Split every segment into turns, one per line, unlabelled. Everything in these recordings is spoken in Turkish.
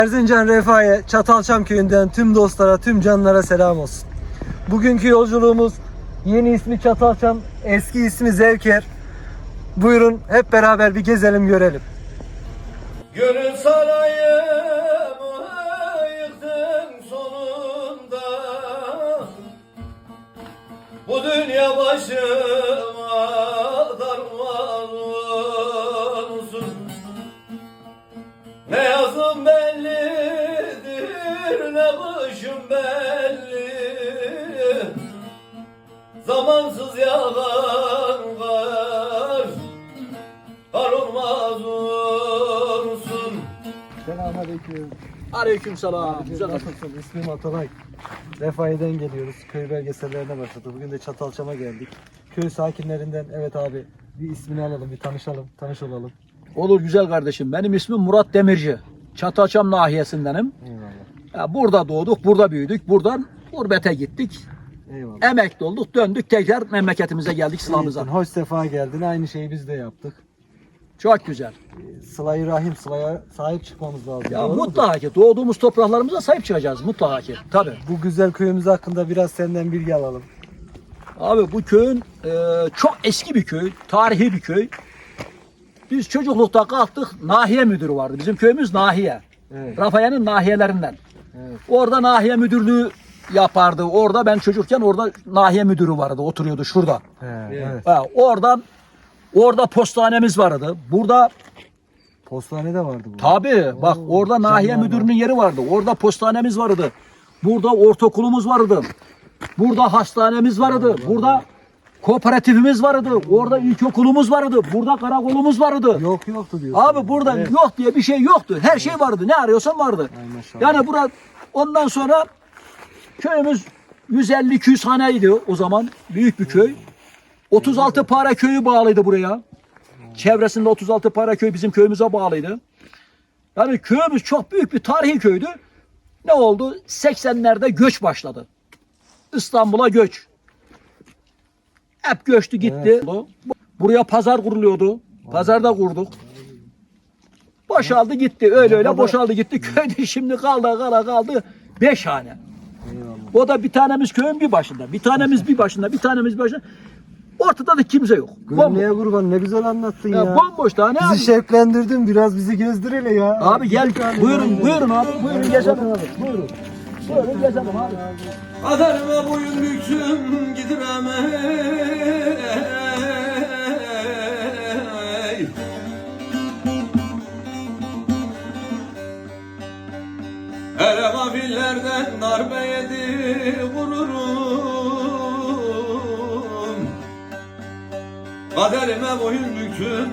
Erzincan Refahiye Çatalçam köyünden tüm dostlara, tüm canlara selam olsun. Bugünkü yolculuğumuz yeni ismi Çatalçam, eski ismi Zevker. Buyurun hep beraber bir gezelim, görelim.
Gönül sarayımı yıktın sonunda, bu dünya başıma darman olsun. Ne yazım bellidir, ne kışım belli, zamansız yağan kar, kar olmaz olsun.
Selamünaleyküm.
Aleykümselam. Güzel
Nasılsın? İsmim Atalay. Refahiye'den geliyoruz. Köy belgesellerine başladı. Bugün de Çatalçam'a geldik. Köy sakinlerinden evet abi bir ismini alalım, bir tanışalım, tanış olalım.
Olur güzel kardeşim. Benim ismim Murat Demirci. Çatalçam nahiyesindenim.
Eyvallah.
Ya burada doğduk, burada büyüdük. Buradan gurbete gittik.
Eyvallah.
Emekli olduk, döndük tekrar memleketimize geldik, Sıla'mıza.
İyisin, hoş sefa geldin. Aynı şeyi biz de yaptık.
Çok güzel.
Sıla-i Rahim, Sıla'ya sahip çıkmamız lazım.
Ya
Doğru mu?
mutlaka ki doğduğumuz topraklarımıza sahip çıkacağız mutlaka ki. Tabii.
Bu güzel köyümüz hakkında biraz senden bilgi alalım.
Abi bu köyün çok eski bir köy, tarihi bir köy. Biz çocuklukta kalktık, nahiye müdürü vardı. Bizim köyümüz nahiye.
Evet.
Rafayan'ın nahiyelerinden.
Evet.
Orada nahiye müdürlüğü yapardı. Orada ben çocukken orada nahiye müdürü vardı. Oturuyordu şurada.
Evet.
Ha, orada postanemiz vardı. Burada
Postane de vardı bu.
tabii bak orada nahiye
canlar
müdürünün yeri vardı. Orada postanemiz vardı. Burada ortaokulumuz vardı. Burada hastanemiz vardı. Burada kooperatifimiz vardı. Orada ilkokulumuz vardı. Burada karakolumuz vardı.
Yoktu diyorsun.
Abi burada yok diye bir şey yoktu. Her şey vardı. Ne arıyorsan vardı.
Ay maşallah.
Yani burada ondan sonra köyümüz 150-200 haneydi o zaman. Büyük bir köy. 36 para köyü bağlıydı buraya. Çevresinde 36 para köy bizim köyümüze bağlıydı. Yani köyümüz çok büyük bir tarihi köydü. Ne oldu? 80'lerde göç başladı. İstanbul'a göç. Hep göçtü gitti. Buraya pazar kuruluyordu. Pazarda kurduk. Boşaldı gitti. Öyle boşaldı gitti. Köyde şimdi kaldı 5 hane.
Eyvallah.
O da bir tanemiz köyün bir başında. Bir tanemiz bir başında. Bir tanemiz bir başında. Ortada da kimse yok.
Gönlüye kurban, ne güzel anlattın ya.
Bomboş tane abi.
Bizi şevklendirdin, biraz bizi gezdir hele ya.
Abi gel.
Gidelim
Buyurun abi. Buyurun gezelim abi. Buyurun. Buyurun gezelim abi.
Kaderime boyun büktüm gidiremey. Hele gafillerden darbe yedi gururum. Kaderime boyun büktüm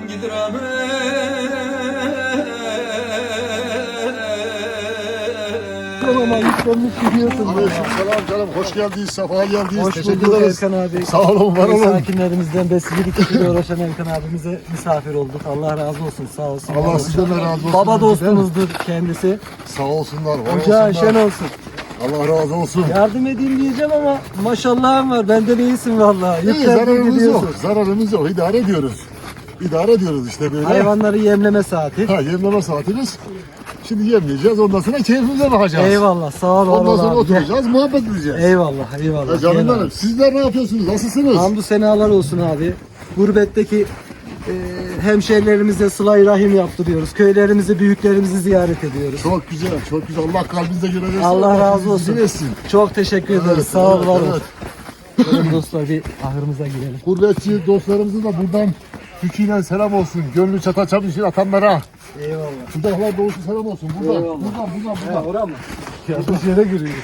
Ama yüklenmiş gidiyorsun.
Aleykümselam canım. Hoş geldiniz. Sefa geldiniz.
Hoş
Teşekkür
bulduk
ederiz.
Erkan abi.
Sağ olun, var
Köy
olun.
sakinlerimizden besicilik işiyle uğraşan Erkan abimize misafir olduk. Allah razı olsun, sağ olsun. var
Allah
olsun.
sizden de razı olsun.
Baba dostumuzdur kendisi.
Sağ olsunlar. Var
Ocağı
olsunlar.
şen olsun.
Allah razı olsun.
Yardım edeyim diyeceğim ama maşallahım var. Benden iyisin vallahi.
İyi,
Yüklendin
zararımız
gidiyorsun.
yok. Zararımız yok. İdare ediyoruz. İdare ediyoruz işte böyle.
Hayvanları yemleme saati.
Ha, yemleme saatimiz. Şimdi yemleyeceğiz. Ondan sonra keyfimize bakacağız.
Eyvallah, sağ ol.
Ondan sonra
abi. Gel.
oturacağız. Muhabbet edeceğiz.
Eyvallah, eyvallah.
Ya canım
Gel
benim.
abi.
Sizler ne yapıyorsunuz? Nasılsınız?
Hamdü senalar olsun abi. Gurbetteki hemşehrilerimize sıla-i rahim yaptırıyoruz. Köylerimizi, büyüklerimizi ziyaret ediyoruz.
Çok güzel. Çok güzel. Allah kalbinize göre versin.
Allah razı olsun.
bizi versin.
Çok teşekkür ederiz.
Evet,
Sağ ol,
evet,
var olun.
evet.
Gelin dostlar bir ahırımıza girelim.
Gurbetçi dostlarımızın da buradan Türkiye'den selam olsun. Gönlü çataçam için atanlara.
Eyvallah.
Şuradakiler doğusu selam olsun. Buradan,
Eyvallah.
buradan.
Oraya mı? Yanlış yere giriyoruz.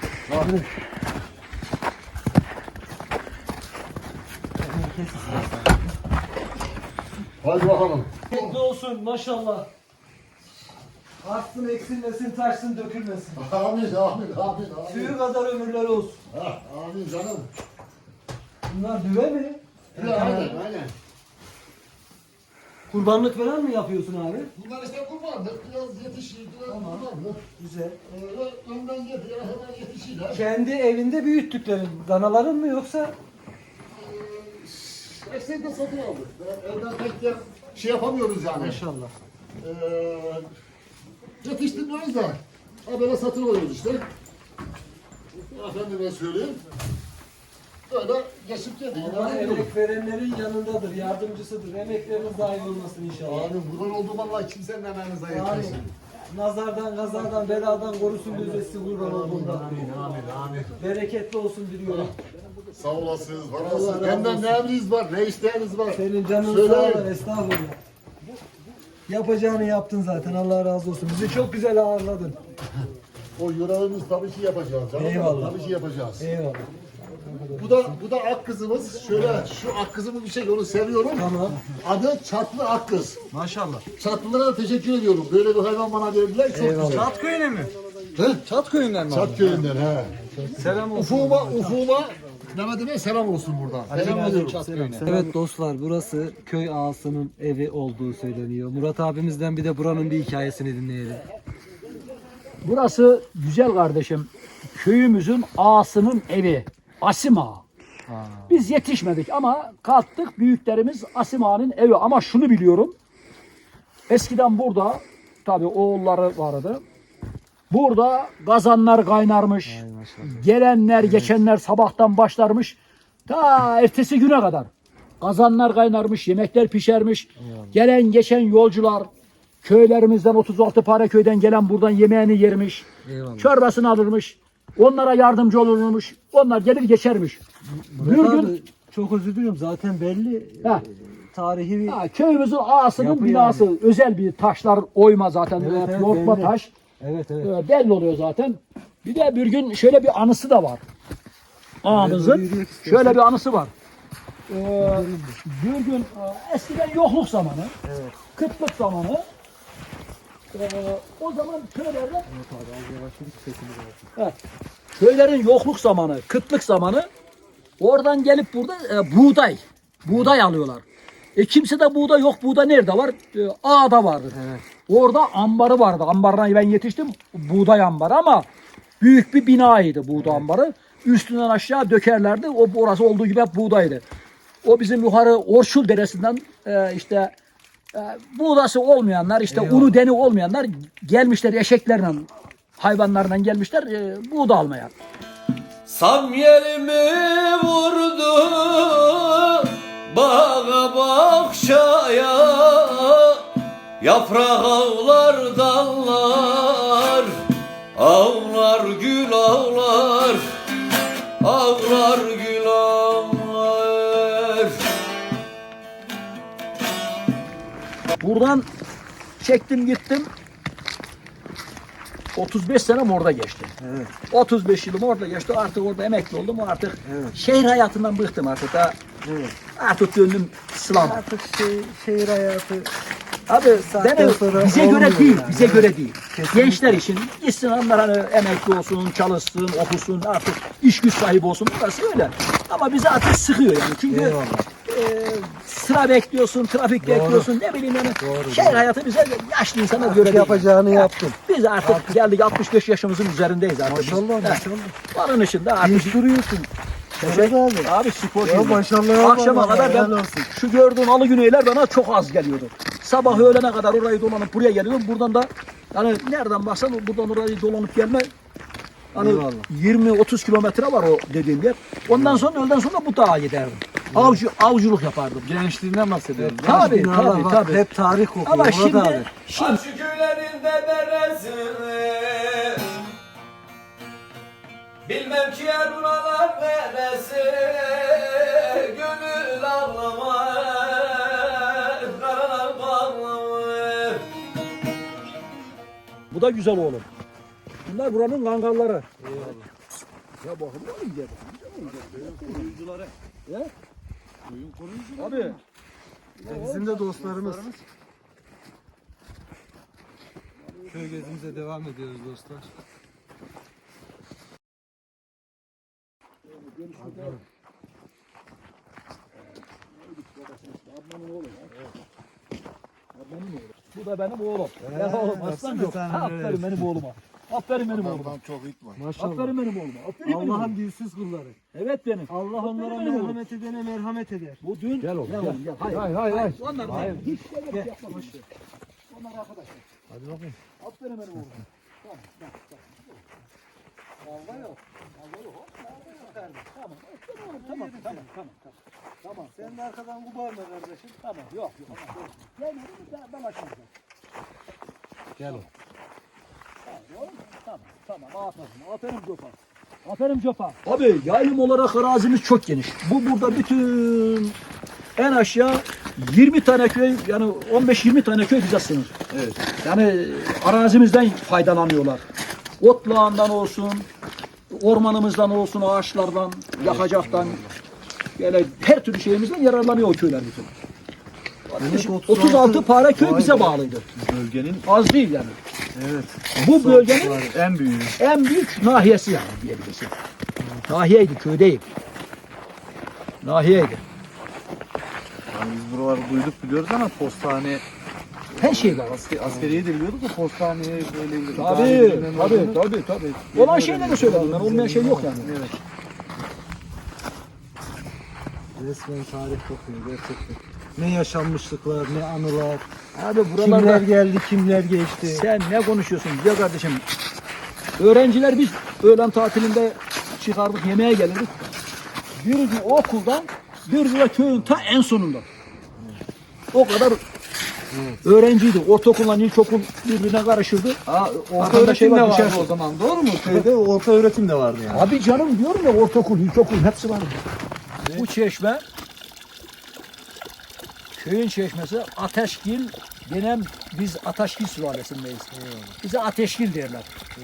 Hadi bakalım.
Mutlu olsun maşallah. Artsın, eksilmesin, taşsın, dökülmesin.
Amin, amin, amin.
Suyu kadar ömürleri olsun.
Ha, amin canım.
Bunlar düve mi?
Aynen.
Kurbanlık falan mı yapıyorsun abi?
Bunlar işte kurbanlık. Biraz yetişir, biraz kurbanlık.
Güzel.
Önden getiriyor, hemen yetişirler.
Kendi evinde büyüttüklerin danaların mı yoksa?
Esnekte satın aldık. Evden pek de şey yapamıyoruz yani.
Maşallah.
Yetiştirmiyoruz da. Ha böyle satın alıyoruz işte. Efendime söyleyeyim. Böyle geçip geldik.
Allah emek verenlerin yanındadır, yardımcısıdır. Emekleriniz daim olmasın inşallah.
Abi buradan olduğum Allah kimsenin emeğinize
Amin.
yetmesin.
Nazardan, gazadan, beladan korusun bizi kurban olduğundan.
Amin.
Bereketli olsun diliyorum.
Sağ olasınız, var
Allah
olasınız.
razı
Benden
olsun.
ne emriniz var, ne isteğiniz var?
Senin canın
Söyleyin.
sağ ol, estağfurullah. Yapacağını yaptın zaten, Allah razı olsun. Bizi çok güzel ağırladın.
O yüreğimiz tabii ki yapacağız. Canım.
Eyvallah.
Tabii ki yapacağız.
Eyvallah.
Bu da ak kızımız. Şöyle şu ak kızımı bir şey onu seviyorum.
Tamam.
Adı Çatlı Ak Kız.
Maşallah.
Çatlılara da teşekkür ediyorum. Böyle bir hayvan bana verdiler. Çok
Eyvallah.
güzel.
Çat köyüne mi?
He?
Çat köyünden mi?
Çat köyünden he.
Selam olsun.
Ufuma Mehmet'ime selam olsun buradan. Selam ediyorum.
Evet dostlar, burası köy ağasının evi olduğu söyleniyor. Murat abimizden bir de buranın bir hikayesini dinleyelim.
Burası güzel kardeşim. Köyümüzün ağasının evi. Asim Ağa. Biz yetişmedik ama kalktık, büyüklerimiz Asim Ağa'nın evi. Ama şunu biliyorum. Eskiden burada tabii oğulları vardı. Burada kazanlar kaynarmış. Gelenler geçenler sabahtan başlarmış. Ta ertesi güne kadar. Kazanlar kaynarmış, yemekler pişermiş. Gelen geçen yolcular köylerimizden 36 para köyden gelen buradan yemeğini yermiş.
Eyvallah.
Çorbasını alırmış. Onlara yardımcı olurmuş. Onlar gelir geçermiş. Bir
Murat
gün
abi, çok özür diliyorum, zaten belli.
Ha.
Tarihi bir...
Köyümüzün ağasının
Yapı
binası. Özel bir taşlar oyma zaten.
Evet, evet,
Yontma
belli.
taş.
Evet evet.
Belli oluyor zaten. Bir de bir gün şöyle bir anısı da var. Ağamızın
yürüyerek istiyorsan.
şöyle bir anısı var. Bir gün eskiden yokluk zamanı, kıtlık zamanı. O zaman köylerde evet, köylerin yokluk zamanı, kıtlık zamanı oradan gelip burada buğday alıyorlar. Kimse de buğday yok. Buğday nerede var? Ağada vardı.
Evet.
Orada ambarı vardı. Ambarına ben yetiştim. Buğday ambarı ama büyük bir binaydı buğday ambarı. Üstünden aşağı dökerlerdi. Orası olduğu gibi hep buğdaydı. O bizim yukarı Orçul Deresi'nden işte buğdası olmayanlar, işte unu deni olmayanlar gelmişler eşeklerle, hayvanlarla gelmişler buğday almaya.
Sam yerimi vurdu bağa bahçaya, yaprak ağlar dallar, ağlar gül ağlar, ağlar gül ağlar.
Buradan çektim gittim. 35 senem orada geçti.
Evet.
35 yılım orada geçti. Artık orada emekli oldum. Artık
Evet.
şehir hayatından bıktım artık.
Evet.
Artık döndüm İslam'a.
Artık şehir hayatı
Abi
saatten sonra
bize göre
olmuyor
değil,
yani.
bize göre değil.
Kesinlikle.
Gençler için gitsin onlar hani emekli olsun, çalışsın, okusun, artık iş güç sahibi olsun. Burası öyle. Ama bizi artık sıkıyor yani. Çünkü
Eyvallah.
sıra bekliyorsun, trafik bekliyorsun, ne bileyim yani.
Doğru,
Şehir hayatı bize yaşlı insana göre değil.
Yapacağını yaptın.
Biz artık geldik 65 yaşımızın üzerindeyiz artık. biz.
Maşallah,
He.
maşallah.
Onun için de artık
Dinç duruyorsun. Evet abi.
Abi sporcuyum.
Ya maşallah,
Akşama
vallahi,
kadar
helal
ben
olsun.
şu gördüğün alı güneyler bana çok az geliyordu. Sabah öğlene kadar orayı dolanıp buraya geliyorum. Buradan da yani nereden baksan buradan orayı dolanıp gelme hani
Eyvallah.
20-30 kilometre var o dediğim yer. Ondan sonra öğleden sonra bu dağa giderdim. Avcılık yapardım.
Gençliğinden bahsediyorum.
Tabii,
Yaş binalar
tabii,
bak,
tabii.
Hep tarih kokuyor.
Ama
Murat
şimdi
abi.
Aşk köylerinde deresini, bilmem ki yer buralar neresi, gönül ağlamaz, karalar bağlamaz.
bu da güzel oğlum. Bunlar buranın kangalları. Ya bakın ne güzel. Koruyucuları. Ya? Köyün koruyucuları. Abi.
Bizim de dostlarımız. Köy gezimize devam ediyoruz dostlar.
Bu da benim oğlum. Ya oğlum aslan yok. Aferin benim oğluma. Aferin benim oğluma.
Ondan çok itme.
Maşallah.
Aferin benim oğluma. Aferin benim
Allah'ın
oğluma.
dilsiz kulları.
Evet benim.
Allah onlara
benim oğlum.
merhamet edene merhamet eder.
Bu dün. Gel oğlum. Gel.
Hayır hayır hayır.
Onlar hiç şey yapma. Onlar arkadaşlar.
Hadi bakayım.
Aferin benim oğlum. Tamam, Kavga yok. Kavga yok. Kavga yok kardeşim. Tamam. Aferin oğlum. Tamam.
Sen de arkadan kubarma kardeşim.
Tamam. Yok. Gel ben açmayacağım.
Gel oğlum.
Tamam. Aferin Copa. Aferin Copa. Abi yaylım olarak arazimiz çok geniş. Bu burada bütün en aşağı 20 tane köy yani 15-20 tane köy bize sınır.
Evet.
Yani arazimizden faydalanıyorlar. Otlağından olsun, ormanımızdan olsun, ağaçlardan, yakacaktan, böyle her türlü şeyimizden yararlanıyor o köyler bütün.
Demek
36 para köy
Vay
bize
be.
bağlıydı.
Bölgenin
Az değil yani.
evet.
Bu bölgenin
En büyüğü.
en büyük nahiyesi yani diyebilirsin. Nahiyeydi, köy değil. Nahiyeydi.
Yani biz buraları duyduk biliyoruz ama postane
Her şey var.
askeriye de biliyorduk da postaneye böyle
Tabii. Olan şeyleri söyledim ben, olmayan şey yok yani.
Evet. Resmen tarih kokuyor gerçekten. Ne yaşanmışlıklar, ne anılar.
Abi
Kimler
buralarda
geldi, kimler geçti.
sen ne konuşuyorsun güzel kardeşim? Öğrenciler biz öğlen tatilinde çıkardık, yemeğe gelirdik. Bir okuldan bir köyün ta en sonunda. O kadar öğrenciydi. Ortaokulla ilkokul birbirine karışırdı.
Orta
Arkada
öğretim
şey
de
var,
vardı
düşersin.
o zaman doğru mu? Köyde orta öğretim de vardı yani.
Abi canım diyorum ya ortaokul, ilkokul hepsi vardı. Bu çeşme köyün çeşmesi Ateşgil denen biz Ateşgil sülalesindeyiz. Bize Ateşgil derler.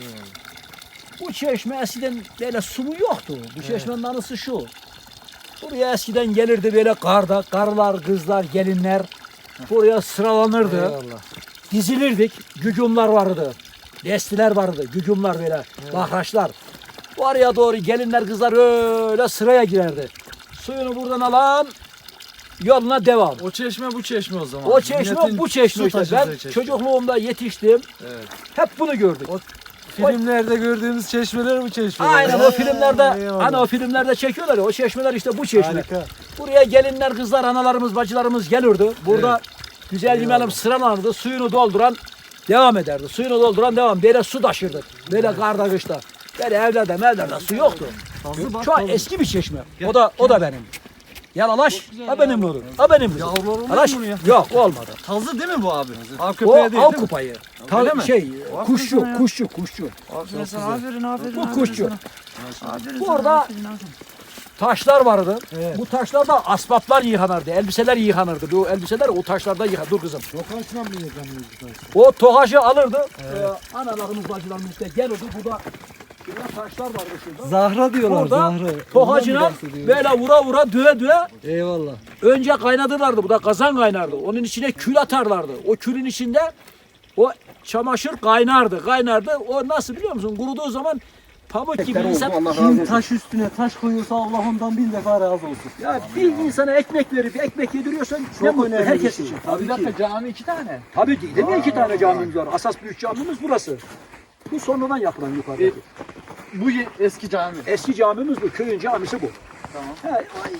Bu çeşme eskiden böyle su yoktu. Bu çeşmenin anısı şu. Buraya eskiden gelirdi böyle karılar, kızlar, gelinler buraya sıralanırdı.
Eyvallah.
Dizilirdik. Gücumlar vardı. Destiler vardı. Gücumlar böyle. Bahraçlar. Oraya doğru gelinler kızlar öyle sıraya girerdi. Suyunu buradan alan yoluna devam.
O çeşme bu çeşme o zaman.
O çeşme
Milletin
bu çeşme
su
işte.
taşıdığı
Ben
çeşme.
çocukluğumda yetiştim.
Evet.
Hep bunu gördük.
Filmlerde gördüğümüz çeşmeler bu çeşmeler.
Aynen o filmlerde
Eyvallah.
hani o filmlerde çekiyorlar ya o çeşmeler işte bu çeşme.
Harika.
Buraya gelinler kızlar analarımız bacılarımız gelirdi. Burada güzel yemeğim sıralanırdı. Suyunu dolduran devam ederdi. Suyunu dolduran devam. Böyle su taşırdı. Böyle karda kışta. Böyle evlerde su yoktu. Şu an eski bir çeşme. O da benim. Yalalaş, ha benim olur. Ha benim olur.
Yavrular olur mu
Alaş,
bunun ya?
yok olmadı.
Tazı değil mi bu abi? Av
O
köpeği değil
av
mi?
kupayı.
Öyle mi?
Kuşçu.
Aferin.
Bu kuşçu.
Aferin
Burada taşlar vardı.
Evet.
Bu taşlarda asbaplar yıkanırdı. Elbiseler yıkanırdı. Bu elbiseler o taşlarda yıkanırdı. Dur kızım.
Sokaçla mı yıkanıyoruz bu taşı?
O tohacı alırdı. Analarımız bacılarımız işte gelirdi. Burada taşlar vardı şurada.
Zahra diyorlar
Burada
Zahra.
tohacına
Ondan mı bahsediyoruz?
böyle vura düve
Eyvallah.
önce kaynatırlardı. Bu da kazan kaynardı. Onun içine kül atarlardı. O külün içinde o çamaşır kaynardı. O nasıl biliyor musun? Kuruduğu zaman pamuk gibi insan.
Kim taş üstüne taş koyuyorsa Allah ondan bin defa razı olsun.
Ya bir insana ekmek verip ekmek yediriyorsan ne
Çok
mutlu
önemli
herkes
bir şey.
için.
Abi bir dakika cami 2 tane.
Tabii ki. Değil mi 2 tane camimiz var? Asas büyük camimiz burası. Bu sonradan yapılan yukarıdaki.
Bu eski cami.
Eski camimiz bu. Köyün camisi bu.
Tamam.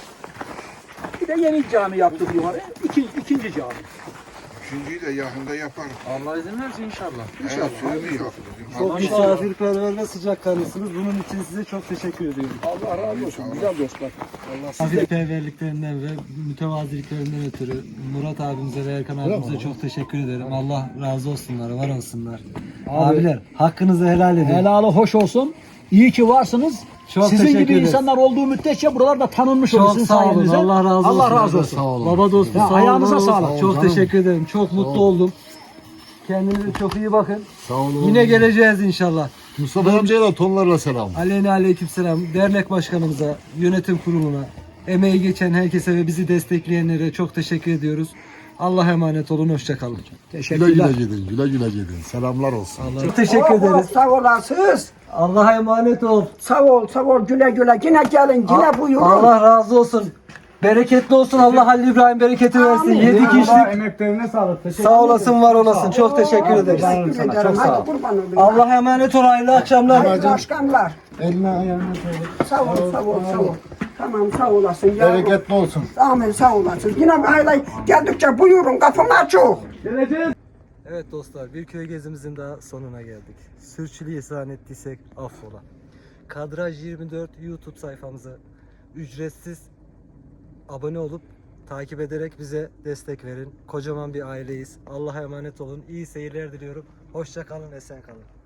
Bir de yeni cami yaptık yukarı. İkinci cami.
Üçüncüyü de yakında yaparız.
Allah izin verirse inşallah.
Evet, suyunu yok.
Çok misafirperver ve sıcakkanlısınız. Bunun için size çok teşekkür ediyorum.
Allah razı olsun. Güzel dostlar.
Misafirperverliklerinden ve mütevaziliklerinden ötürü Murat abimize ve Erkan abimize çok teşekkür ederim. Allah razı olsunlar, var olsunlar. Abiler hakkınızı helal edin.
Helalı hoş olsun. İyi ki varsınız.
Çok
Sizin
teşekkür
gibi
ederiz.
insanlar olduğu müddetçe buralarda tanınmış olur
Çok
sizin
sağ olun.
sayenizde.
Allah razı olsun.
Allah razı olsun.
Baba dostu
Ya,
sağ olun.
ayağınıza
var olsun.
sağlık.
Çok teşekkür ederim. Çok mutlu oldum. Kendinize çok iyi bakın.
Sağ olun.
Yine geleceğiz inşallah.
Mustafa amcaya da tonlarla selam.
Aleyna aleykümselam. Dernek başkanımıza, yönetim kuruluna, emeği geçen herkese ve bizi destekleyenlere çok teşekkür ediyoruz. Allah'a emanet olun. Hoşça kalın.
Güle
Teşekkürler.
güle gidin. Selamlar olsun.
Çok teşekkür ederiz.
Sağ olasınız.
Allah'a emanet ol.
Sağ ol güle güle. Yine gelin, yine buyurun.
Allah razı olsun. Bereketli olsun. Allah Halil İbrahim bereketi versin.
Amin.
Yedik içtik.
Emeklerine sağlık.
Sağ olasın, var olasın. Çok teşekkür ederiz.
Teşekkür ederim.
Çok sağ ol.
Hadi kurban olayım.
Allah'a emanet ol. Hayırlı akşamlar.
Hayırlı akşamlar.
Eline ayağına sağlık.
Sağ ol. Tamam sağ olasın. yavrum.
Bereketli olsun.
Amin sağ olasın. Yine aile geldikçe buyurun kapım açık.
Evet dostlar, bir köy gezimizin daha sonuna geldik. Sürçülisan ettiysek affola. Kadraj 24 YouTube sayfamıza ücretsiz abone olup takip ederek bize destek verin. Kocaman bir aileyiz. Allah'a emanet olun. İyi seyirler diliyorum. Hoşça kalın, esen kalın.